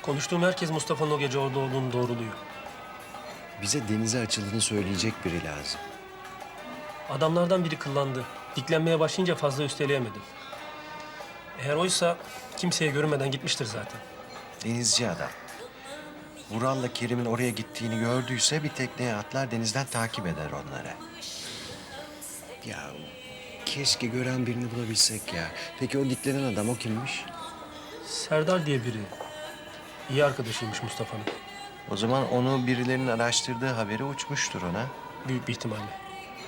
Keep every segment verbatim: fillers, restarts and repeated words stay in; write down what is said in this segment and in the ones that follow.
Konuştuğum herkes Mustafa'nın o gece orada olduğunu doğruluyor. Bize denize açıldığını söyleyecek biri lazım. Adamlardan biri kıllandı. Diklenmeye başlayınca fazla üsteleyemedim. Eğer oysa kimseye görünmeden gitmiştir zaten. Denizci adam. Vural'la Kerim'in oraya gittiğini gördüyse bir tekneye atlar denizden takip eder onları. Ya keşke gören birini bulabilsek ya. Peki o diklenen adam o kimmiş? Serdar diye biri. İyi arkadaşıymış Mustafa'nın. O zaman onu birilerinin araştırdığı haberi uçmuştur ona. Büyük bir ihtimalle.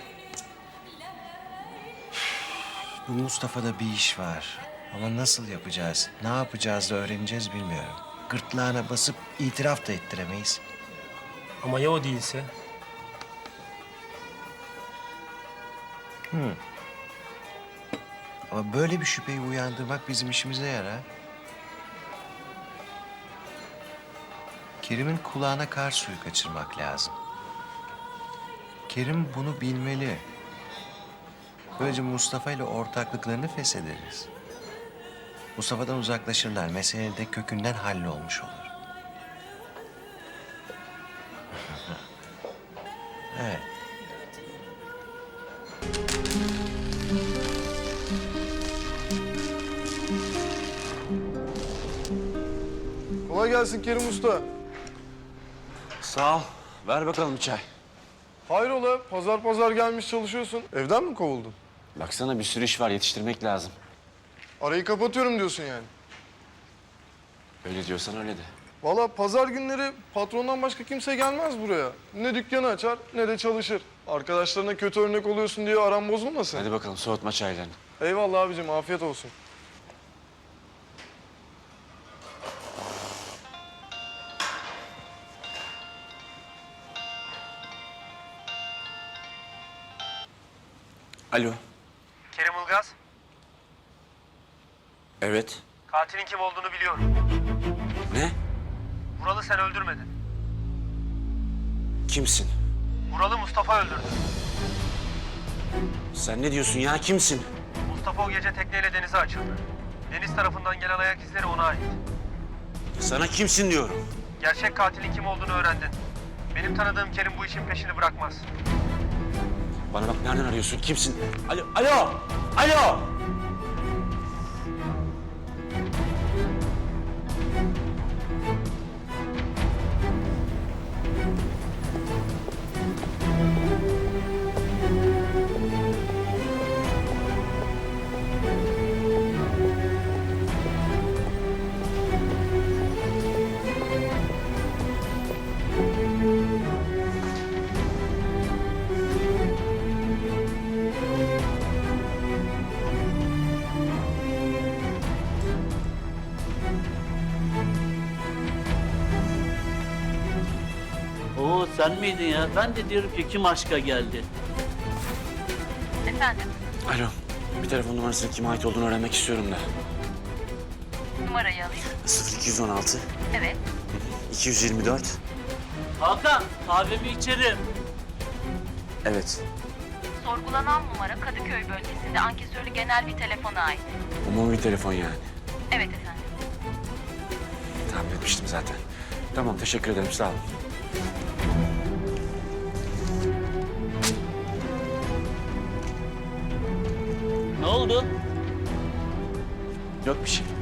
Bu Mustafa'da bir iş var. Ama nasıl yapacağız, ne yapacağız da öğreneceğiz bilmiyorum. Gırtlağına basıp itiraf da ettiremeyiz. Ama ya o değilse? Ama böyle bir şüpheyi uyandırmak bizim işimize yarar. Kerim'in kulağına kar suyu kaçırmak lazım. Kerim bunu bilmeli. Böylece Mustafa ile ortaklıklarını feshederiz. Mustafa'dan uzaklaşırlar. Mesele de kökünden hallolmuş olur. Evet. Kolay gelsin Kerim Usta. Sağ ol. Ver bakalım bir çay. Hayrola, pazar pazar gelmiş çalışıyorsun. Evden mi kovuldun? Baksana bir sürü iş var, yetiştirmek lazım. Arayı kapatıyorum diyorsun yani. Öyle diyorsan öyle de. Vallahi pazar günleri patrondan başka kimse gelmez buraya. Ne dükkanı açar ne de çalışır. Arkadaşlarına kötü örnek oluyorsun diye aram bozulmasın. Hadi bakalım soğutma çaylarını. Eyvallah abicim, afiyet olsun. Alo. Kerim Ilgaz, Evet. katilin kim olduğunu biliyorum. Ne? Vural'ı sen öldürmedin. Kimsin? Vural'ı Mustafa öldürdü. Sen ne diyorsun ya? Kimsin? Mustafa o gece tekneyle denize açıldı. Deniz tarafından gelen ayak izleri ona ait. Sana kimsin diyorum. Gerçek katilin kim olduğunu öğrendin. Benim tanıdığım Kerim bu işin peşini bırakmaz. Bana bak, nereden arıyorsun? Kimsin? Alo. Alo. Alo. Oo sen miydin ya? Ben de diyorum ki kim aşka geldi? Efendim, Alo. Bir telefon numarasının kime ait olduğunu öğrenmek istiyorum da. numarayı alayım. sıfır iki yüz on altı Evet. iki yüz yirmi dört. Hakan kahvemi içerim. Evet. Sorgulanan numara Kadıköy bölgesinde ankesörlü genel bir telefona ait. Umumi bir telefon yani. Evet efendim. Tahmin etmiştim zaten. Tamam, teşekkür ederim. Sağ ol. Ne oldu? Yok bir şey.